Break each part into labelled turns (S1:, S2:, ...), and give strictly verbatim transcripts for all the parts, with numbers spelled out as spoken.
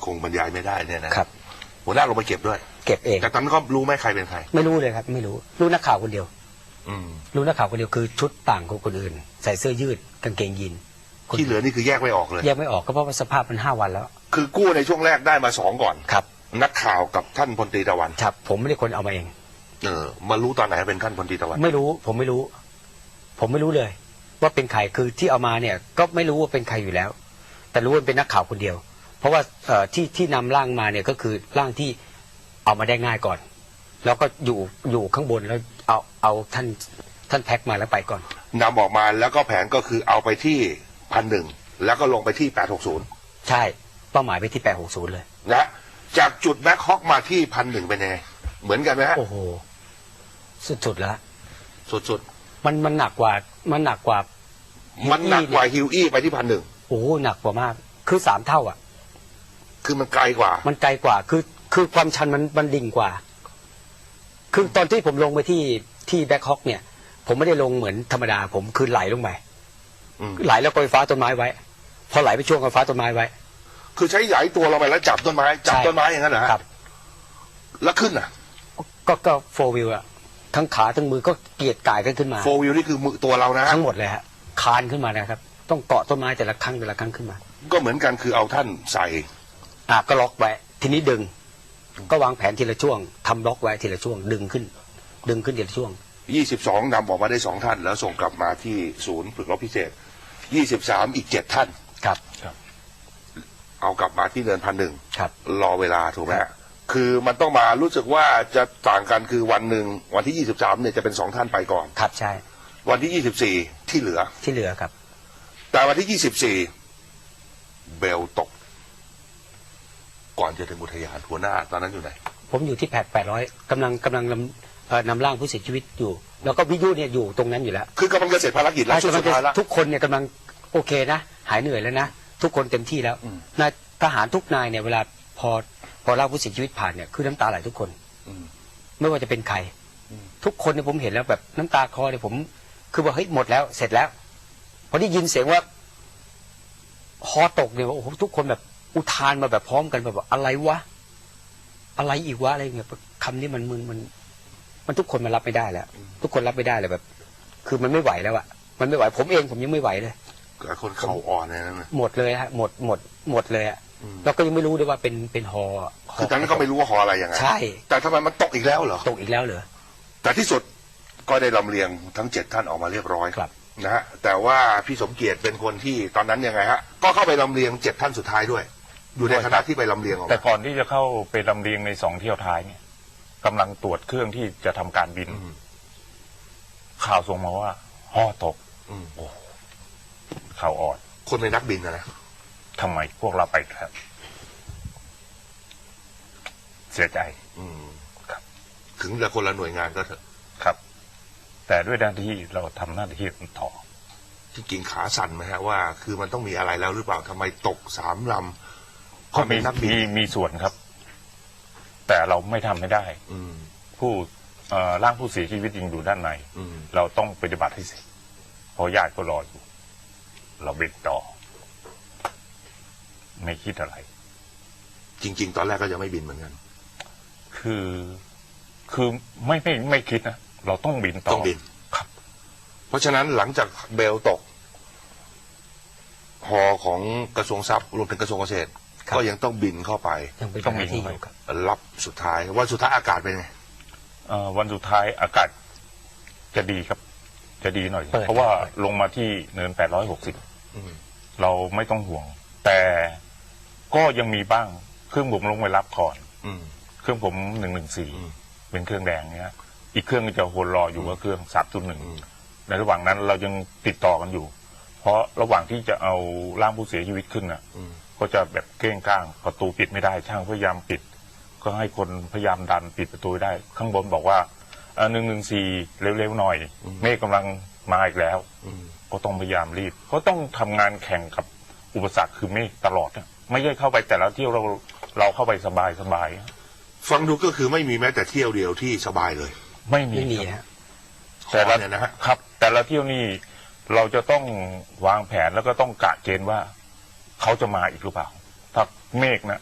S1: คงบรรยายไม่ได้เนี่ยนะครับหัวหน้าลงไปเก็บด้วย
S2: เก็บเอง
S1: แต่ตอนนั้นก็รู้ไหมใครเป็นใคร
S2: ไม่รู้เลยครับไม่รู้รู้นักข่าวคนเดียว
S1: อืม
S2: รู้นักข่าวคนเดียวคือชุดต่างของคนอื่นใส่เสื้อยืดกางเกงยีน
S1: ที่เหลือนี่คือแยกไม่ออกเลย
S2: แยกไม่ออกก็เพราะว่าสภาพมันห้าวันแล้ว
S1: คือกู้ในช่วงแรกได้มาสองก่อน
S2: ครับ
S1: นักข่าวกับท่านพลตรีตะวัน
S2: ครับผมไม่ได้คนเอามาเอง
S1: เออมารู้ตอนไหนเป็นท่านพลตรีตะวัน
S2: ไม่รู้ผมไม่รู้ ผมไม่รู้เลย ว่าเป็นใครคือที่เอามาเนี่ยก็ไม่รู้ว่าเป็นใครอยู่แล้ว แต่รู้ว่าเป็นนักข่าวคนเดียว เพราะว่าเอ่อที่ที่นำร่างมาเนี่ยก็คือร่างที่เอามาได้ง่ายก่อนแล้วก็อยู่อยู่ข้างบนแล้วเอาเอาท่านท่านแพ็คมาแล้วไปก่อน
S1: นำออกมาแล้วก็แผนก็คือเอาไปที่พันหนึ่งแล้วก็ลงไปที่แปดหกศูนย์
S2: ใช่เป้าหมายไปที่แปดหกศูนย์เลย
S1: นะจากจุดแบ็คฮอกมาที่พันหนึ่งเป็นยังไงเหมือนกันไหมฮะ
S2: โอ้โหสุดๆแล้ว
S1: สุด
S2: ๆมันมันหนักกว่ามันหนักกว่า
S1: มันหนักกว่าฮิวอี้ไปที่พันหนึ่ง
S2: โอ้โหหนักกว่ามากคือสามเท่าอ่ะ
S1: คือมันไกลกว่า
S2: มันไกลกว่าคือคือความชันมันมันดิ่งกว่าคือตอนที่ผมลงไปที่ที่แบ็คฮอกเนี่ยผมไม่ได้ลงเหมือนธรรมดาผมคือไหลลงไปไหลแล้วก็ไฟฟ้าต้นไม้ไว้พอไหลไปช่วงไฟฟ้าต้นไม้ไว้
S1: คือใช้ไหลตัวเราไปแล้วจับต้นไม้จับต้นไม้อย่างนั้นเหรอ
S2: ครับ
S1: แล้วขึ้นอ่ะ
S2: ก็ก็โฟวิลอะทั้งขาทั้งมือก็เกียดกายกันขึ้นมา
S1: โฟวิลนี่คือมือตัวเรานะ
S2: ทั้งหมดเลยฮะคานขึ้นมานะครับต้องเกาะต้นไม้แต่ละครั้งแต่ละครั้งขึ้นมา
S1: ก็เหมือนกันคือเอาท่านใส่
S2: อ่ะก็ล็อกไว้ทีนี้ดึงก็วางแผนทีละช่วงทำล็อกไว้ทีละช่วงดึงขึ้นดึงขึ้นทีละช่วง
S1: ยี่สิบสองนำออกมาได้สองท่านแล้วส่งกลับมาที่ศูนย์ฝึกรบพิเศษยี่สิบสามอีกเจ็ดท่าน
S2: ครับ
S1: เอากลับมาที่เนินพันหนึ่ง
S2: ครับ
S1: รอเวลาถูกไหมคือมันต้องมารู้สึกว่าจะต่างกันคือวันหนึ่งวันที่ยี่สิบสามเนี่ยจะเป็นสองท่านไปก่อน
S2: ครับใช่
S1: วันที่ยี่สิบสี่ที่เหลือ
S2: ที่เหลือครับ
S1: แต่วันที่ยี่สิบสี่เบลตกก่อนจะถึงอุทยานหัวหน้าตอนนั้นอยู่ไหน
S2: ผมอยู่ที่แพดแปดร้อยกำลังกำลังนำนำร่างผู้เสียชีวิตอยู่แล้วก็วิทยุเนี่ยอยู่ตรงนั้นอยู่แล้ว
S1: คือกำลังจะเสร็จภารกิจแล้วช่วงสุดท้ายแล้ว
S2: ทุกคนเนี่ยกำลังโอเคนะหายเหนื่อยแล้วนะทุกคนเต็มที่แล้วนายทหารทุกนายเนี่ยเวลาพอพอร่างผู้เสียชีวิตผ่านเนี่ยคือน้ำตาไหลทุกคนไม่ว่าจะเป็นใครทุกคนเนี่ยผมเห็นแล้วแบบน้ำตาคลอเนี่ยผมคือว่าเฮ้ยหมดแล้วเสร็จแล้วพอได้ยินเสียงว่าฮอตกเนี่ยโอ้โหทุกคนแบบอุทานมาแบบพร้อมกันแบบอะไรวะอะไรอีกวะอะไรเงี้ยคำนี้มันมันมันมันทุกคนมันรับไม่ได้แล้วทุกคนรับไม่ได้เลยแบบคือมันไม่ไหวแล้วอะมันไม่ไหวผมเองผมยังไม่ไหวเลย
S1: คนเข่าอ่อนเลยนั่นนะ
S2: หมดเลยฮะหมดหมดหมดเลยอะเราก็ยังไม่รู้ด้วยว่าเป็นเป็นฮอ
S1: คือตอนนั้นก็ไม่รู้ว่าฮออะไรยังไง
S2: ใช่
S1: แต่ทำไมมันตกอีกแล้วเหรอ
S2: ตกอีกแล้วเหรอ
S1: แต่ที่สุดก็ได้ลำเลียงทั้งเจ็ดท่านออกมาเรียบร้อย
S2: ครับ
S1: นะฮะแต่ว่าพี่สมเกียรติเป็นคนที่ตอนนั้นยังไงฮะก็เข้าไปลำเลียงเจ็ดท่านสุดท้ายด้วยอยู่ในขณะที่ไปลำเลียงออก
S3: แต่ก่อนที่จะเข้าไปลำเลียงในสองเที่ยวท้ายเนี่ยกำลังตรวจเครื่องที่จะทำการบินข่าวส่งมาว่าฮอตกโอ้ข่าวอ่อน
S1: คนในนักบินนะนะ
S3: ทำไมพวกเราไปครับเสียใจครับ
S1: ถึงจะคนละหน่วยงานก็เถอะ
S3: ครับแต่ด้วยหน้าที่เราทำหน้าที่ต่อ
S1: จริงๆขาสั่นไหมฮะว่าคือมันต้องมีอะไรแล้วหรือเปล่าทำไมตกสามลำ
S3: ก็มีมีมีส่วนครับแต่เราไม่ทำไม่ได้ผู้ร่างผู้เสียชีวิตยังอยู่ด้านในเราต้องปฏิบัติให้เสร็จเพราะญาติก็รออยู่เราเบ็ดต่อไม่คิดอะไร
S1: จริงๆตอนแรกก็ยังไม่บินเหมือนกัน
S3: คือคือไม่ไม่ไม่คิดนะเราต้องบินต่อ
S1: ต้องบิน
S3: ครับ
S1: เพราะฉะนั้นหลังจากเบลตกฮอของกระทรวงทรัพย์รวมถึงกระทรวงเกษตรก็ยังต้องบินเข้าไป
S2: ต้องบินไป
S1: รับสุดท้ายวันสุดท้ายอากาศเป็นไง
S3: วันสุดท้ายอากาศจะดีครับจะดีหน่อยเพราะว่าลงมาที่เนินแปดร้อยหกสิบเราไม่ต้องห่วงแต่ก็ยังมีบ้างเครื่องผมลงไปรับก่อนเครื่องผมหนึ่งหนึ่งสี่เป็นเครื่องแดงเนี้ยอีกเครื่องจะโหนรออยู่ว่าเครื่องสามจุดหนึ่งในระหว่างนั้นเรายังติดต่อกันอยู่เพราะระหว่างที่จะเอาร่างผู้เสียชีวิตขึ้นน่ะก็จะแบบเก้งก้างประตูปิดไม่ได้ช่างพยายามปิดก็ให้คนพยายามดันปิดประตูได้ข้างบนบอกว่าหนึ่งหนึ่งสี่เร็วๆหน่อยเมฆกำลังมาอีกแล้วก็ต้องพยายามรีบก็ต้องทำงานแข่งกับอุปสรรคคือเมฆตลอดไม่ใช่เข้าไปแต่ละเที่ยวเราเราเข้าไปสบายสบาย
S1: ฟังดูก็คือไม่มีแม้แต่เที่ยวเดียวที่สบายเลย
S3: ไม่มีแต่ละนะครับแต่ละเที่ยวนี่เราจะต้องวางแผนแล้วก็ต้องกะเกณฑ์ว่าเขาจะมาอีกหรือเปล่าถ้าเมฆนะ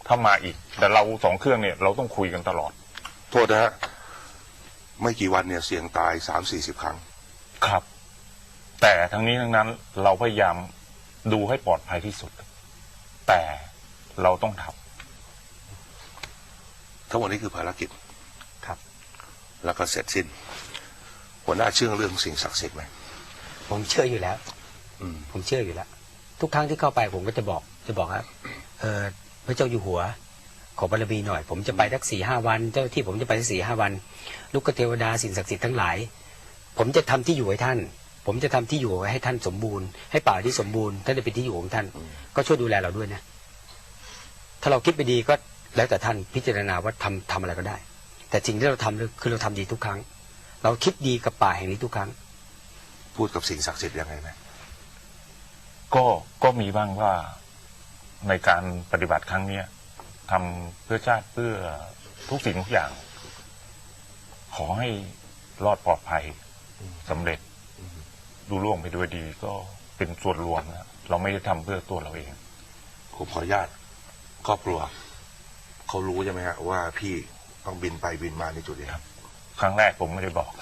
S3: ถ้ามาอีก แต่เราสองเครื่องเนี่ยเราต้องคุยกันตลอด
S1: โทษนะฮะไม่กี่วันเนี่ยเสี่ยงตายสามสี่สิบครั้ง
S3: ครับ แต่ทั้งนี้ทั้งนั้นเราพยายามดูให้ปลอดภัยที่สุด แต่เราต้องทำ
S1: ทั้งหมดนี้คือภารกิจ
S2: ครับ
S1: แล้วก็เสร็จสิ้นหัวหน้าเชื่อเรื่องสิ่งศักดิ์สิทธิ์ไหม
S2: ผมเชื่ออยู่แล้ว
S1: อืม
S2: ผมเชื่ออยู่แล้ว ทุกครั้งที่เข้าไปผมก็จะบอกจะบอกครับเออพระเจ้าอยู่หัว ขอบารมีหน่อย ผมจะไปสักสี่ห้าวัน เจ้าที่ผมจะไปสักสี่ห้าวัน ลูกเทวดาสิ่งศักดิ์สิทธิ์ทั้งหลาย ผมจะทำที่อยู่ให้ท่าน ผมจะทำที่อยู่ให้ท่านสมบูรณ์ ให้ป่าที่สมบูรณ์ท่านจะเป็นที่อยู่ของท่าน ก็ช่วยดูแลเราด้วยนะ ถ้าเราคิดไปดีก็แล้วแต่ท่านพิจารณาว่าทำทำอะไรก็ได้ แต่สิ่งที่เราทำคือเราทำดีทุกครั้ง เราคิดดีกับป่าแห่งนี้ทุกครั้ง
S1: พูดกับสิ่งศักดิ์สิทธิ์ยังไงไหม
S3: ก็ก็มีบ้างว่าในการปฏิบัติครั้งเนี้ยทำเพื่อชาติเพื่อทุกสิ่งทุกอย่าง ขอให้รอดปลอดภัยสำเร็จดูล่วงไปด้วยดี ก็เป็นส่วนรวมนะเราไม่ได้ทำเพื่อตัวเราเอง
S1: ผมขออนุญาตครอบครัวเขารู้ใช่ไหมฮะว่าพี่ต้องบินไปบินมาในจุดนี้ครับ
S3: ครั้งแรกผมไม่ได้บอก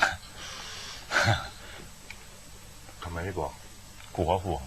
S1: ทำไมไม่บอก
S3: กลัวเขาห่วง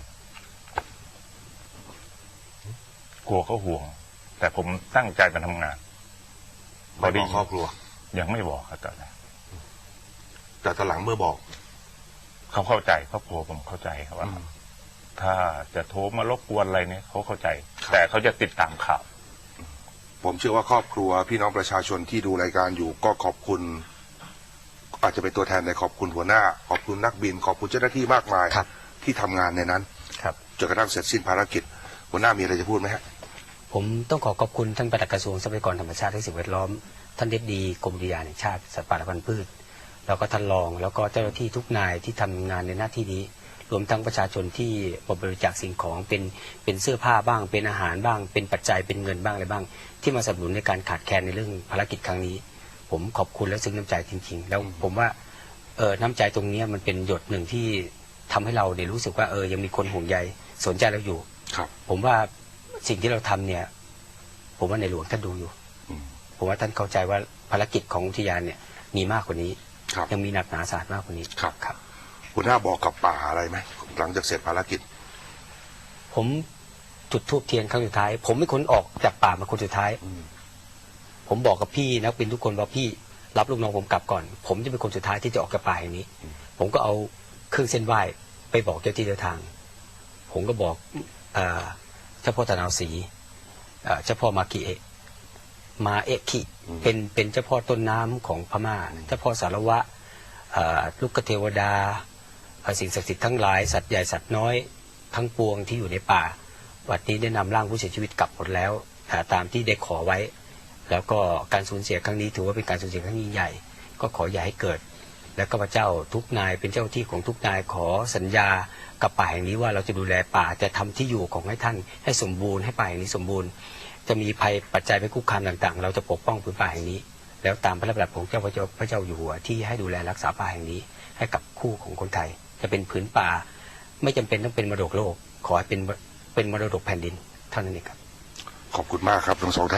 S3: กลัวเขาห่วง แต่ผมตั้งใจมาทำงาน
S1: ไม่บอกครอบครัว
S3: ยังไม่บอกครับตอนแรก
S1: แต่ตอนหลังเมื่อบอก
S3: เขาเข้าใจครอบครัวผมเข้าใจครับว่า
S1: อืม
S3: ถ้าจะโทรมารบกวนอะไรเนี่ยเขาเข้าใจ
S1: ครับ
S3: แต่เขาจะติดตามข่าว
S1: ผมเชื่อว่าครอบครัวพี่น้องประชาชนที่ดูรายการอยู่ก็ขอบคุณ อาจจะเป็นตัวแทนในขอบคุณหัวหน้า ขอบคุณนักบิน ขอบคุณเจ้าหน้าที่มากมาย
S2: ครับ
S1: ที่ทำงานในนั้น
S2: ครับ
S1: จนกระทั่งเสร็จสิ้นภารกิจ หัวหน้ามีอะไรจะพูดไหมฮะ
S2: ผมต้องขอขอบคุณท่านปลัดกระทรวงทรัพยากรธรรมชาติและสิ่งแวดล้อม ท่านเด็ดดีกรมอุทยานแห่งชาติสัตว์ป่าและพันธุ์พืช แล้วก็ท่านรอง แล้วก็เจ้าหน้าที่ทุกนายที่ทำงานในหน้าที่นี้ รวมทั้งประชาชนที่บริจาคสิ่งของเป็นเป็นเสื้อผ้าบ้าง เป็นอาหารบ้าง เป็นปัจจัยเป็นเงินบ้างอะไรบ้าง ที่มาสนับสนุนในการขาดแคลนในเรื่องภารกิจครั้งนี้ ผมขอบคุณและซึ้งน้ำใจจริงๆ แล้วผมว่าเออน้ำใจตรงเนี้ยมันเป็นหยดหนึ่งที่ทำให้เราเนี่ยรู้สึกว่าเออยังมีคนห่วงใยสนใจเราอยู่
S1: ครับ
S2: ผมว่าสิ่งที่เราทำเนี่ย ผมว่าในหลวงท่านดูอยู่
S1: อืม
S2: ผมว่าท่านเข้าใจว่าภารกิจของอุทยานเนี่ยมีมากกว่านี้
S1: ครับ
S2: ยังมีหนักหนาสาหัสมากกว่านี้
S1: ครับ
S2: ครับ
S1: หัวหน้าบอกกับป่าอะไรไหมหลังจากเสร็จภารกิจ
S2: ผมจุดธูปเทียนครั้งสุดท้าย ผมเป็นคนออกจากป่ามาคนสุดท้าย
S1: อืม
S2: ผมบอกกับพี่นักบินทุกคนว่าพี่รับลูกน้องผมกลับก่อน ผมจะเป็นคนสุดท้ายที่จะออกจากป่าแห่งนี้ ผมก็เอาเครื่องเส้นไหว้ไปบอกเจ้าที่เจ้าทาง ผมก็บอกเอ่อเจ้าพ่อตะนาวศรีเอ่อเจ้าพ่อมากิเอะมาเอะคิเป็นเป็นเจ้าพ่อต้นน้ำของพม่า เจ้าพ่อสารวะเอ่อลูกเทวดาเอ่อสิ่งศักดิ์สิทธิ์ทั้งหลายสัตว์ใหญ่สัตว์น้อยทั้งปวงที่อยู่ในป่าวันนี้ได้นำร่างผู้เสียชีวิตกลับหมดแล้วอ่าตามที่ได้ขอไว้ แล้วก็การสูญเสียครั้งนี้ถือว่าเป็นการสูญเสียครั้งยิ่งใหญ่ ก็ขออย่าให้เกิด และข้าพเจ้าทุกนายเป็นเจ้าที่ของทุกนายขอสัญญากับป่าแห่งนี้ว่าเราจะดูแลป่าจะทำที่อยู่ของให้ท่านให้สมบูรณ์ให้ป่าแห่งนี้สมบูรณ์ จะมีภัยปัจจัยไปคุกคามต่างๆ เราจะปกป้องพื้นป่าแห่งนี้ แล้วตามพระราชบัญญัติของเจ้าพระเจ้าพระเจ้าอยู่หัวที่ให้ดูแลรักษาป่าแห่งนี้ ให้กับคู่ของคนไทย จะเป็นผืนป่า ไม่จำเป็นต้องเป็นมรดกโลก ขอให้เป็นเป็นมรดกแผ่นดินเท่านั้นเองครับ
S1: ขอบคุณมากครับทั้งสองท่าน